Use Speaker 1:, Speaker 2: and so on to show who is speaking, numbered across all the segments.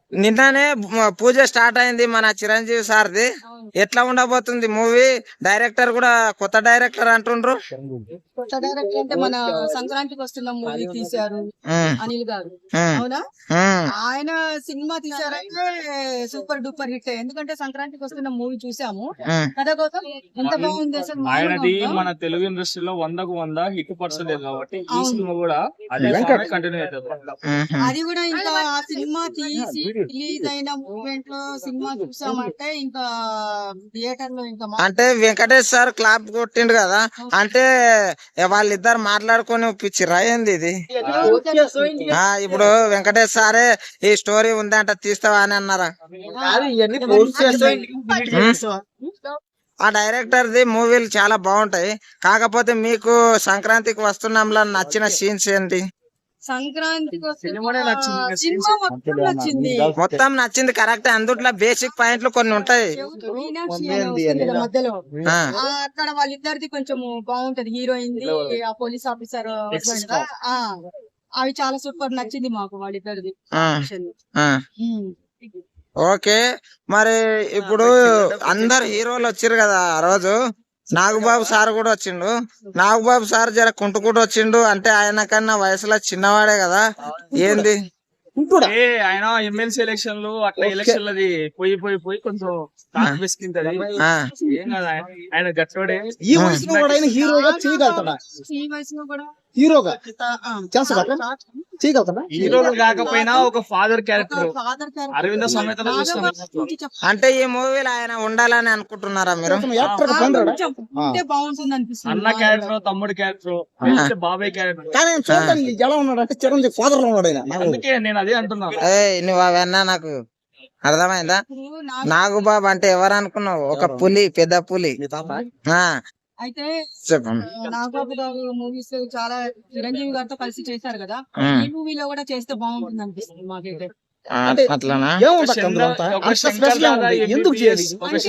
Speaker 1: నిన్ననే పూజ స్టార్ట్ అయింది మన చిరంజీవి సార్ది. ఎట్లా ఉండబోతుంది మూవీ? డైరెక్టర్ కూడా కొత్త డైరెక్టర్ అంటుండ్రు.
Speaker 2: కొత్త డైరెక్టర్ అంటే మన సంక్రాంతికి వస్తున్న మూవీ తీశారు అనిల్ గారు, అవునా? ఆయన సినిమా తీశారంటే సూపర్ డూపర్ హిట్. ఎందుకంటే సంక్రాంతికి వస్తున్న మూవీ చూసాము, కథ కోసం ఎంత బాగుంది అసలు.
Speaker 3: ఆయనది మన తెలుగు ఇండస్ట్రీలో 100కు 100 హిట్ పర్సెంటేజ్ కాబట్టి ఈ సినిమా కూడా అదే కంటిన్యూ అవుతుంది.
Speaker 2: అది కూడా ఇంకా ఆ సినిమా తీసి రిలీజ్ అయిన మూమెంట్ లో సినిమా చూసామంటే ఇంకా థియేటర్ లో ఇంకా
Speaker 1: అంటే వెంకటేష్ సార్ క్లాప్ కొట్టిండు కదా, అంటే వాళ్ళిద్దరు మాట్లాడుకొని ఒప్పించిరా ఏంది ఇది? ఇప్పుడు వెంకటేష్ సారే ఈ స్టోరీ ఉందంట తీస్తావా అని అన్నారా? ఆ డైరెక్టర్ ది మూవీలు చాలా బాగుంటాయి. కాకపోతే మీకు సంక్రాంతికి వస్తున్నాంలో నచ్చిన సీన్స్ ఏంటి?
Speaker 2: సంక్రాంతికి
Speaker 3: సినిమా
Speaker 2: నచ్చింది,
Speaker 1: మొత్తం నచ్చింది కరెక్ట్. అందుట్లో బేసిక్ పాయింట్లు కొన్ని ఉంటాయి.
Speaker 2: మధ్యలో అక్కడ వాళ్ళిద్దరిది కొంచెం బాగుంటది. హీరోయిన్ ఆ పోలీస్ ఆఫీసర్ అవి చాలా సూపర్ నచ్చింది మాకు వాళ్ళిద్దరిది.
Speaker 1: ఓకే, మరి ఇప్పుడు అందరు హీరోలు వచ్చారు కదా ఆ రోజు. నాగబాబు సార్ కూడా వచ్చిండు. నాగబాబు సార్ జర కుంటుకుంటూ వచ్చిండు, అంటే ఆయన కన్నా వయసులో చిన్నవాడే కదా, ఏంది?
Speaker 3: ఆయన ఎమ్మెల్సీ ఎలక్షన్లు అట్లా ఎలక్షన్లది పోయి కొంచెం విసికింటది. ఏం కదా, ఆయన గట్టోడే.
Speaker 4: ఈ వయసులో కూడా ఆయన హీరోగా చేయగలుగుతాడా?
Speaker 2: ఈ వయసులో కూడా
Speaker 4: హీరోగా చేయగలుగుతాడా?
Speaker 3: హీరోగా కాకపోయినా ఒక ఫాదర్ క్యారెక్టర్ అరవింద సమేతలో చూస్తాం.
Speaker 1: అంటే ఈ మూవీలో ఆయన ఉండాలని అనుకుంటున్నారా మీరు?
Speaker 2: బాగుంటుంది అనిపిస్తుంది.
Speaker 3: అన్న క్యారెక్టర్, తమ్ముడు క్యారెక్టర్, బాబాయ్ క్యారెక్టర్.
Speaker 4: కానీ చూడడానికి ఎలా ఉన్నాడు అంటే చిరంజీవి ఫాదర్ లో ఉన్నాడు ఆయన.
Speaker 3: అందుకే నేను అదే అంటున్నాను.
Speaker 1: నువ్వు అవన్నా నాకు అర్థమైందా? నాగుబాబు అంటే ఎవరు అనుకున్నావు? ఒక పులి, పెద్ద పులి.
Speaker 2: అయితే
Speaker 1: చెప్పండి.
Speaker 2: నాగబాబు గారు మూవీస్ చాలా చిరంజీవి గారితో కలిసి చేశారు కదా, ఈ మూవీలో కూడా చేస్తే బాగుంటుంది అనిపిస్తుంది మాకైతే.
Speaker 1: అట్లానా?
Speaker 4: ఎందుకు చేయాలి?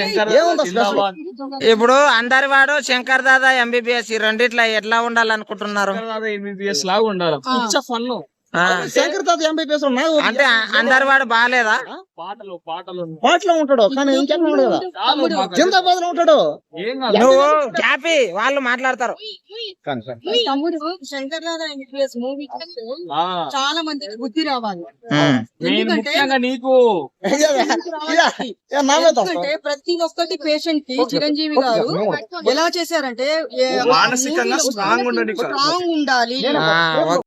Speaker 1: ఇప్పుడు అందరి వాడు శంకర్ దాదా ఎంబీబీఎస్, ఈ రెండిట్లా ఎట్లా ఉండాలనుకుంటున్నారు?
Speaker 3: ఎంబీబీఎస్ లాగా ఉండాలి. ఫన్
Speaker 4: శంకర్ తాత ఎంబీబీఎస్
Speaker 1: అంటే అందరి వాడు బాగాలేదా?
Speaker 4: పాటలో ఉంటాడు కానీ ఇంకెక్కడ ఉంటాడు కదా, జిందాబాద్ లో ఉంటాడు.
Speaker 1: నువ్వు క్యాపీ, వాళ్ళు మాట్లాడతారు.
Speaker 2: తమ్ముడు శంకర్ దాదా ఎంబీబీఎస్ మూవీ చాలా మందికి బుద్ధి రావాలి.
Speaker 3: నీకు
Speaker 2: ఎందుకంటే ప్రతి ఒక్కటి పేషెంట్ కి చిరంజీవి గారు ఎలా చేశారంటే
Speaker 3: మానసికంగా స్ట్రాంగ్
Speaker 2: ఉండాలి.